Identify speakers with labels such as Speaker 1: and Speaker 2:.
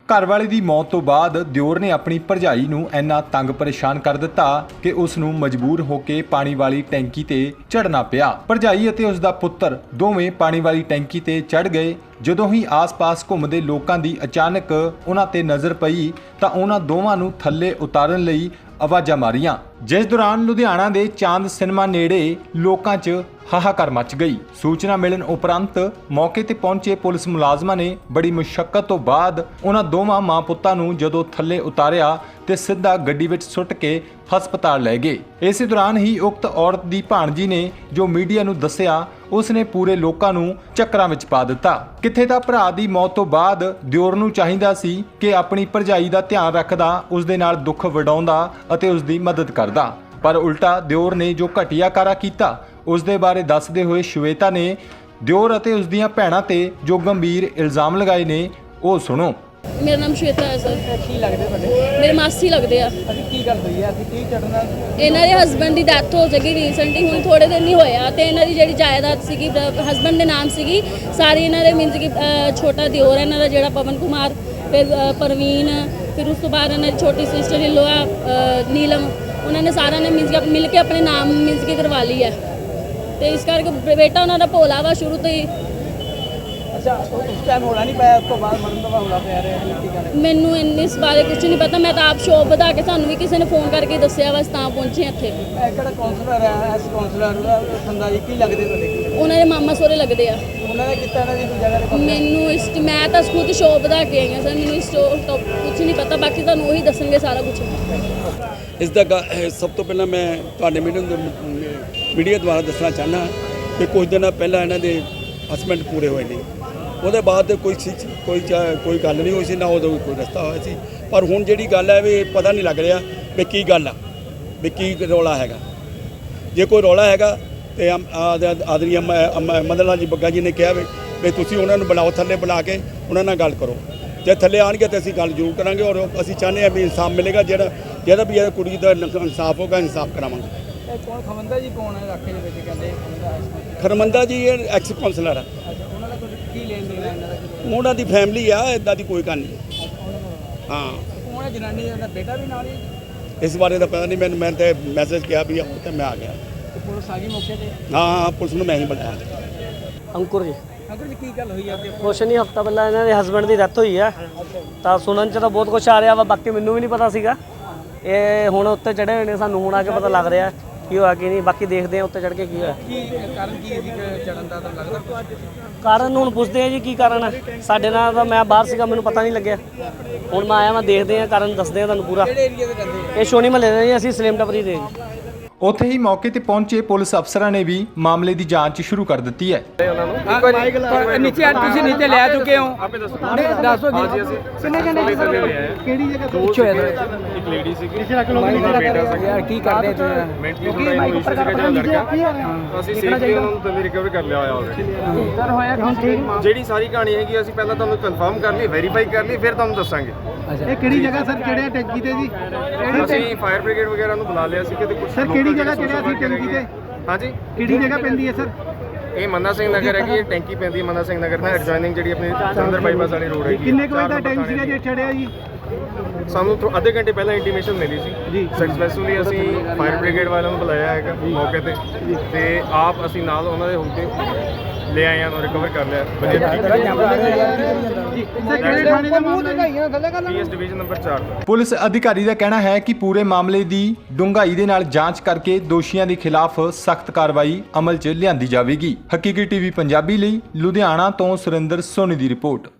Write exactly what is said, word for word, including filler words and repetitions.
Speaker 1: ਘਰਵਾਲੇ ਦੀ ਮੌਤ ਤੋਂ ਬਾਅਦ ਦਿਓਰ ਨੇ ਆਪਣੀ ਭਰਜਾਈ ਨੂੰ ਇੰਨਾ ਤੰਗ ਪਰੇਸ਼ਾਨ ਕਰ ਦਿੱਤਾ ਕਿ ਉਸ ਨੂੰ ਮਜਬੂਰ ਹੋ ਕੇ ਪਾਣੀ ਵਾਲੀ ਟੈਂਕੀ ਤੇ ਚੜ੍ਹਨਾ ਪਿਆ। ਭਰਜਾਈ ਅਤੇ ਉਸ ਦਾ ਪੁੱਤਰ ਦੋਵੇਂ ਪਾਣੀ ਵਾਲੀ ਟੈਂਕੀ ਤੇ ਚੜ੍ਹ ਗਏ। ਜਦੋਂ ਹੀ ਆਸ-ਪਾਸ ਘੁੰਮਦੇ ਲੋਕਾਂ ਦੀ ਅਚਾਨਕ ਉਹਨਾਂ ਤੇ ਨਜ਼ਰ ਪਈ ਤਾਂ ਉਹਨਾਂ ਦੋਵਾਂ ਨੂੰ ਥੱਲੇ ਉਤਾਰਨ ਲਈ ਆਵਾਜ਼ਾਂ ਮਾਰੀਆਂ, ਜਿਸ ਦੌਰਾਨ ਲੁਧਿਆਣਾ ਦੇ ਚਾਂਦ ਸਿਨੇਮਾ ਨੇੜੇ ਲੋਕਾਂ 'ਚ ਹਾਹਾਕਾਰ ਮਚ ਗਈ। ਸੂਚਨਾ ਮਿਲਣ ਉਪਰੰਤ ਮੌਕੇ ਤੇ ਪਹੁੰਚੇ ਪੁਲਿਸ ਮੁਲਾਜ਼ਮਾਂ ਨੇ ਬੜੀ ਮੁਸ਼ੱਕਤ ਤੋਂ ਬਾਅਦ ਉਹਨਾਂ ਦੋਵਾਂ ਮਾਂ ਪੁੱਤਾਂ ਨੂੰ ਜਦੋਂ ਥੱਲੇ ਉਤਾਰਿਆ ਤੇ ਸਿੱਧਾ ਗੱਡੀ ਵਿੱਚ ਸੁੱਟ ਕੇ ਹਸਪਤਾਲ ਲੈ ਗਏ। ਇਸੇ ਦੌਰਾਨ ਹੀ ਉਕਤ ਔਰਤ ਦੀ ਭਾਣਜੀ ਨੇ ਜੋ ਮੀਡੀਆ ਨੂੰ ਦੱਸਿਆ, ਉਸ ਨੇ ਪੂਰੇ ਲੋਕਾਂ ਨੂੰ ਚੱਕਰਾਂ ਵਿੱਚ ਪਾ ਦਿੱਤਾ। ਕਿੱਥੇ ਤਾਂ ਭਰਾ ਦੀ ਮੌਤ ਤੋਂ ਬਾਅਦ ਦਿਓਰ ਨੂੰ ਚਾਹੀਦਾ ਸੀ ਕਿ ਆਪਣੀ ਭਰਜਾਈ ਦਾ ਧਿਆਨ ਰੱਖਦਾ, ਉਸ ਦੇ ਨਾਲ ਦੁੱਖ ਵੰਡਾਉਂਦਾ ਅਤੇ ਉਸ ਦੀ ਮਦਦ ਕਰਦਾ, ਪਰ ਉਲਟਾ ਦਿਓਰ ਨੇ ਜੋ ਘਟੀਆ ਕਾਰਾ ਕੀਤਾ ਉਸ ਦੇ ਬਾਰੇ ਦੱਸਦੇ ਹੋਏ ਸ਼ਵੇਤਾ ਨੇ ਦਿਓਰ ਅਤੇ ਉਸ ਦੀਆਂ ਭੈਣਾਂ ਤੇ ਜੋ ਗੰਭੀਰ ਇਲਜ਼ਾਮ ਲਗਾਏ ਨੇ ਉਹ ਸੁਣੋ।
Speaker 2: ਮੇਰਾ ਨਾਮ ਸ਼ਵੇਤਾ ਹੈ ਸਰ।
Speaker 3: ਕੀ ਲੱਗਦੇ ਤੁਹਾਡੇ?
Speaker 2: ਮੇਰੇ ਮਾਸੀ ਲੱਗਦੇ ਆ।
Speaker 3: ਅਸੀਂ ਕੀ ਗੱਲ ਹੋਈ ਹੈ? ਅਸੀਂ ਕੀ ਚੜਨਾ?
Speaker 2: ਇਹਨਾਂ ਦੇ ਹਸਬੰਡ ਦੀ ਡੈਥ ਹੋ ਜਾਗੀ ਰੀਸੈਂਟਲੀ, ਹੁਣ ਥੋੜੇ ਦਿਨ ਹੀ ਹੋਇਆ, ਤੇ ਇਹਨਾਂ ਦੀ ਜਿਹੜੀ ਜਾਇਦਾਦ ਸੀਗੀ ਹਸਬੰਡ ਦੇ ਨਾਮ ਸੀਗੀ ਸਾਰੀ, ਇਹਨਾਂ ਦੇ ਮੀਨਸ ਕਿ ਛੋਟਾ ਦਿਓਰ ਹੈ ਇਹਨਾਂ ਦਾ ਜਿਹੜਾ ਪਵਨ ਕੁਮਾਰ, ਫਿਰ ਪਰਵੀਨ, ਫਿਰ ਉਸ ਤੋਂ ਬਾਅਦ ਇਹਨਾਂ ਦੀ ਛੋਟੀ ਸਿਸਟਰ ਇਨ ਲੋਆ ਨੀਲਮ, ਉਹਨਾਂ ਨੇ ਸਾਰਿਆਂ ਨੇ ਮੀਨਸ ਕਿ ਮਿਲ ਕੇ ਆਪਣੇ ਨਾਮ ਮੀਨਸ ਕਿ ਕਰਵਾ ਲਈ ਹੈ। ਤੇ ਇਸ ਕਰਕੇ ਬੇਟਾ ਉਹਨਾਂ ਦਾ ਭੋਲਾ ਵਾ ਸ਼ੁਰੂ ਤੋਂ ਹੀ।
Speaker 3: ਅੱਛਾ, ਉਸ ਟਾਈਮ ਹੋਣਾ ਨਹੀਂ ਪਾਇਆ, ਉਸ ਤੋਂ ਬਾਅਦ ਮਰਨ ਤੋਂ ਬਾਅਦ ਹੋਣਾ ਪਿਆ ਰਿਹਾ? ਕੀ ਗੱਲ?
Speaker 2: ਮੈਨੂੰ ਇੰਨੇ ਇਸ ਬਾਰੇ ਕੁਝ ਨਹੀਂ ਪਤਾ, ਮੈਂ ਤਾਂ ਆਪ ਸ਼ੋਪ ਵਧਾ ਕੇ ਸਾਨੂੰ ਵੀ ਕਿਸੇ ਨੇ ਫੋਨ ਕਰਕੇ ਦੱਸਿਆ, ਬਸ ਤਾਂ ਪਹੁੰਚੇ ਇੱਥੇ।
Speaker 3: ਇਹ ਕਿਹੜਾ ਕਾਉਂਸਲਰ ਹੈ? ਐਸ ਕਾਉਂਸਲਰ ਦਾ ਸੰਦਾ ਜੀ ਕੀ ਲੱਗਦੇ ਤੁਹਾਡੇ?
Speaker 2: ਉਹਨਾਂ ਦੇ ਮਾਮਾ ਸੋਰੇ ਲੱਗਦੇ ਆ।
Speaker 3: ਉਹਨਾਂ ਨੇ ਕੀਤਾ ਨਾ ਜੀ ਕੋਈ ਜਗ੍ਹਾ ਤੇ?
Speaker 2: ਮੈਨੂੰ ਇਸ ਮੈਂ ਤਾਂ ਖੁਦ ਸ਼ੋਪ ਵਧਾ ਕੇ ਆਈ ਹਾਂ ਸਰ, ਮੈਨੂੰ ਇਸ ਤੋਂ ਕੁਝ ਨਹੀਂ ਪਤਾ, ਬਾਕੀ ਤੁਹਾਨੂੰ ਉਹੀ ਦੱਸਣਗੇ ਸਾਰਾ ਕੁਝ।
Speaker 4: ਇਸ ਦਾ ਸਭ ਤੋਂ ਪਹਿਲਾਂ ਮੈਂ ਤੁਹਾਡੇ ਮੀਡੀਆ ਮੀਡੀਆ ਦੁਆਰਾ ਦੱਸਣਾ ਚਾਹੁੰਦਾ ਕਿ ਕੁਝ ਦਿਨ ਪਹਿਲਾਂ ਇਹਨਾਂ ਦੇ ਹਸਬੈਂਡ ਪੂਰੇ ਹੋਏ ਨੇ, ਉਹਦੇ ਬਾਅਦ ਕੋਈ ਕੋਈ ਕੋਈ ਗੱਲ ਨਹੀਂ ਹੋਈ ਸੀ, ਨਾ ਉਦੋਂ ਕੋਈ ਰਸਤਾ ਹੋਇਆ ਸੀ। ਪਰ ਹੁਣ ਜਿਹੜੀ ਗੱਲ ਹੈ ਵੀ ਪਤਾ ਨਹੀਂ ਲੱਗ ਰਿਹਾ ਵੀ ਕੀ ਗੱਲ ਆ, ਵੀ ਕੀ ਰੌਲਾ ਹੈਗਾ। ਜੇ ਕੋਈ ਰੌਲਾ ਹੈਗਾ ਤੇ ਆਦਰੀ ਮਦਨ ਲਾਲ ਜੀ ਬੱਗਾ ਜੀ ਨੇ ਕਿਹਾ ਵੀ ਵੀ ਤੁਸੀਂ ਉਹਨਾਂ ਨੂੰ ਬੁਲਾਓ, ਥੱਲੇ ਬੁਲਾ ਕੇ ਉਹਨਾਂ ਨਾਲ ਗੱਲ ਕਰੋ। ਜੇ ਥੱਲੇ ਆਉਣਗੇ ਤਾਂ ਅਸੀਂ ਗੱਲ ਜ਼ਰੂਰ ਕਰਾਂਗੇ, ਔਰ ਅਸੀਂ ਚਾਹੁੰਦੇ ਹਾਂ ਵੀ ਇਨਸਾਫ ਮਿਲੇਗਾ, ਜਿਹੜਾ ਜਿਹੜਾ ਵੀ ਇਹ ਕੁੜੀ ਦਾ ਇਨਸਾਫ ਹੋਗਾ, ਇਨਸਾਫ ਕਰਾਵਾਂਗੇ।
Speaker 3: ਇਹ ਕੌਣ ਖਮੰਦਾ ਜੀ ਕੌਣ ਹੈ ਇਲਾਕੇ ਦੇ ਵਿੱਚ? ਕਹਿੰਦੇ
Speaker 4: ਖਰਮੰਦਾ ਜੀ ਇਹ ਐਕਸ ਕਾਉਂਸਲਰ ਆ।
Speaker 3: ਉਹਨਾਂ ਦਾ ਕੋਈ ਕੀ ਲੈਣ ਦੇਣ ਹੈ ਇਹਨਾਂ ਦਾ?
Speaker 4: ਉਹਨਾਂ ਦੀ ਫੈਮਿਲੀ ਆ, ਇੱਦਾਂ ਦੀ ਕੋਈ ਗੱਲ ਨਹੀਂ। ਹਾਂ,
Speaker 3: ਕੌਣ ਹੈ ਜਨਾਨੀ? ਦਾ ਬੇਟਾ ਵੀ ਨਾਲ ਹੀ?
Speaker 4: ਇਸ ਬਾਰੇ ਤਾਂ ਪਤਾ ਨਹੀਂ ਮੈਨੂੰ, ਮੈਂ ਤਾਂ ਮੈਸੇਜ ਕਿਹਾ ਵੀ ਆਓ ਤੇ ਮੈਂ ਆ ਗਿਆ।
Speaker 3: ਤੇ ਪੁਲਿਸ ਆ ਗਈ ਮੌਕੇ ਤੇ?
Speaker 4: ਹਾਂ ਹਾਂ, ਪੁਲਿਸ ਨੂੰ ਮੈਂ ਹੀ ਬੁਲਾਇਆ।
Speaker 5: ਅੰਕੁਰ ਜੀ।
Speaker 3: ਅੰਕਲ ਜੀ ਕੀ ਗੱਲ ਹੋਈ ਆ?
Speaker 5: ਕੁਛ ਨਹੀਂ, ਹਫਤਾ ਪਹਿਲਾਂ ਇਹਨਾਂ ਦੇ ਹਸਬੈਂਡ ਦੀ ਡੈਥ ਹੋਈ ਆ, ਤਾਂ ਸੁਣਨ 'ਚ ਤਾਂ ਬਹੁਤ ਕੁਛ ਆ ਰਿਹਾ ਵਾ, ਬਾਕੀ ਮੈਨੂੰ ਵੀ ਨਹੀਂ ਪਤਾ ਸੀਗਾ। ਇਹ ਹੁਣ ਉੱਤੇ ਚੜ੍ਹੇ ਹੋਏ ਨੇ, ਸਾਨੂੰ ਹੁਣ ਆ ਕੇ ਪਤਾ ਲੱਗ ਰਿਹਾ ਕੀ ਹੋਇਆ ਕੀ ਨਹੀਂ, ਬਾਕੀ ਦੇਖਦੇ ਆ ਉੱਤੇ ਚੜ੍ਹ ਕੇ ਕੀ ਹੋਇਆ।
Speaker 3: ਕੀ ਕਾਰਨ ਕੀ ਸੀ ਚੜਨ ਦਾ? ਤਾਂ ਲੱਗਦਾ
Speaker 5: ਕਾਰਨ ਹੁਣ ਪੁੱਛਦੇ ਆ ਜੀ ਕੀ ਕਾਰਨ ਹੈ। ਸਾਡੇ ਨਾਲ ਤਾਂ ਮੈਂ ਬਾਹਰ ਸੀਗਾ, ਮੈਨੂੰ ਪਤਾ ਨਹੀਂ ਲੱਗਿਆ, ਹੁਣ ਮੈਂ ਆਇਆ, ਮੈਂ ਦੇਖਦੇ ਆ ਕਾਰਨ, ਦੱਸਦੇ ਆ ਤੁਹਾਨੂੰ ਪੂਰਾ।
Speaker 3: ਕਿਹੜੇ ਏਰੀਆ ਦੇ ਰਹਿੰਦੇ?
Speaker 5: ਇਹ ਸ਼ੋਨੀ ਮਹੱਲੇ ਦੇ ਜੀ, ਅਸੀਂ ਸਲੇਮ ਟੱਪਰੀ ਦੇ ਜੀ।
Speaker 1: ਉੱਥੇ ਹੀ ਮੌਕੇ ਤੇ ਪਹੁੰਚੇ ਪੁਲਿਸ ਅਫਸਰਾਂ ਨੇ ਵੀ ਮਾਮਲੇ ਦੀ ਜਾਂਚ ਸ਼ੁਰੂ ਕਰ ਦਿੱਤੀ ਹੈ।
Speaker 3: ਨੀਚੇ ਤੁਸੀਂ ਨੀਚੇ ਲੈ ਚੁੱਕੇ ਹੋ?
Speaker 6: ਆਪੇ ਦੱਸੋ।
Speaker 3: ਦੱਸੋ
Speaker 6: ਹਾਂ ਜੀ, ਅਸੀਂ
Speaker 3: ਕਿੰਨੇ ਘੰਟੇ
Speaker 6: ਥੱਲੇ ਹੋਏ ਆ।
Speaker 3: ਕਿਹੜੀ ਜਗ੍ਹਾ
Speaker 6: ਦੋ
Speaker 3: ਪਿੱਛੇ ਹੋਇਆ?
Speaker 6: ਇੱਕ ਲੇਡੀ ਸੀਗੀ,
Speaker 3: ਬੇਟਾ ਸੀਗਾ। ਕੀ ਕਰਦੇ ਤੁਸੀਂ?
Speaker 6: ਮੈਂਟਲੀ ਥੋੜਾ ਇਸ਼ੂ ਸੀਗਾ ਜਿਹੜਾ ਲੜਕਾ, ਅਸੀਂ ਸੇਫਲੀ ਉਹਨਾਂ ਨੂੰ ਥੱਲੇ ਰਿਕਵਰ ਕਰ ਲਿਆ ਹੋਇਆ ਆਲਰੇਡੀ।
Speaker 3: ਸਰ ਹੋਇਆ ਹੁਣ ਠੀਕ?
Speaker 6: ਜਿਹੜੀ ਸਾਰੀ ਕਹਾਣੀ ਹੈਗੀ ਅਸੀਂ ਪਹਿਲਾਂ ਤੁਹਾਨੂੰ ਕਨਫਰਮ ਕਰ ਲਈ, ਵੈਰੀਫਾਈ ਕਰ ਲਈ, ਫਿਰ ਤੁਹਾਨੂੰ ਦੱਸਾਂਗੇ।
Speaker 3: ਇਹ ਕਿਹੜੀ ਜਗ੍ਹਾ ਸਰ? ਕਿਹੜੇ ਟੈਂਕੀ ਤੇ ਜੀ?
Speaker 6: ਅਸੀਂ ਫਾਇਰ ਬ੍ਰਿਗੇਡ ਵਗੈਰਾ ਨੂੰ ਬੁਲਾ ਲਿਆ ਸੀ ਕਿ ਕੁਝ
Speaker 3: ਸਰ ਕਿਹੜੀ ਜਗ੍ਹਾ ਚੜਿਆ ਸੀ ਟੈਂਕੀ ਤੇ?
Speaker 6: ਹਾਂਜੀ,
Speaker 3: ਕਿਹੜੀ ਜਗ੍ਹਾ ਪੈਂਦੀ ਹੈ ਸਰ?
Speaker 6: ਇਹ ਮੰਨਾ ਸਿੰਘ ਨਗਰ ਹੈਗੀ, ਇਹ ਟੈਂਕੀ ਪੈਂਦੀ ਹੈ ਮੰਨਾ ਸਿੰਘ ਨਗਰ ਨਾਲ ਐਡਜੋਇਨਿੰਗ ਜਿਹੜੀ ਆਪਣੀ ਚੰਦਰ ਬਾਈਪਾਸ ਵਾਲੀ ਰੋਡ ਹੈਗੀ।
Speaker 3: ਕਿੰਨੇ ਕੁ ਵਜੇ ਦਾ ਟਾਈਮ ਸੀਗਾ ਜੇ ਚੜਿਆ ਜੀ?
Speaker 6: ਸਾਨੂੰ ਅੱਧੇ ਘੰਟੇ ਪਹਿਲਾਂ ਇੰਟੀਮੇਸ਼ਨ ਮਿਲੀ ਸੀ
Speaker 3: ਜੀ।
Speaker 6: ਸਕਸੈਸਫੁਲੀ ਅਸੀਂ ਫਾਇਰ ਬ੍ਰਿਗੇਡ ਵਾਲਿਆਂ ਨੂੰ ਬੁਲਾਇਆ ਹੈਗਾ ਮੌਕੇ ਤੇ, ਤੇ ਆਪ ਅਸੀਂ ਨਾਲ ਉਹਨਾਂ ਦੇ ਹੁਣ ਤੇ ਲੈ ਆਏ ਹਾਂ, ਰਿਕਵਰ ਕਰ ਲਿਆ।
Speaker 3: ਸਰ ਕਿਹੜੇ ਥਾਣੇ ਦਾ ਮਾਮਲਾ ਹੈ?
Speaker 6: ਪੀਐਸ ਡਿਵੀਜ਼ਨ ਨੰਬਰ ਚਾਰ ਦਾ।
Speaker 1: ਪੁਲਿਸ ਅਧਿਕਾਰੀ ਦਾ ਕਹਿਣਾ ਹੈ ਕਿ ਪੂਰੇ ਮਾਮਲੇ ਦੀ ਡੂੰਘਾਈ ਦੇ ਨਾਲ ਜਾਂਚ ਕਰਕੇ ਦੋਸ਼ੀਆਂ ਦੇ ਖਿਲਾਫ ਸਖਤ ਕਾਰਵਾਈ ਅਮਲ 'ਚ ਲਿਆਂਦੀ ਜਾਵੇਗੀ। ਹਕੀਕੀ ਟੀਵੀ ਪੰਜਾਬੀ ਲਈ ਲੁਧਿਆਣਾ ਤੋਂ ਸੁਰਿੰਦਰ ਸੋਨੀ ਦੀ ਰਿਪੋਰਟ।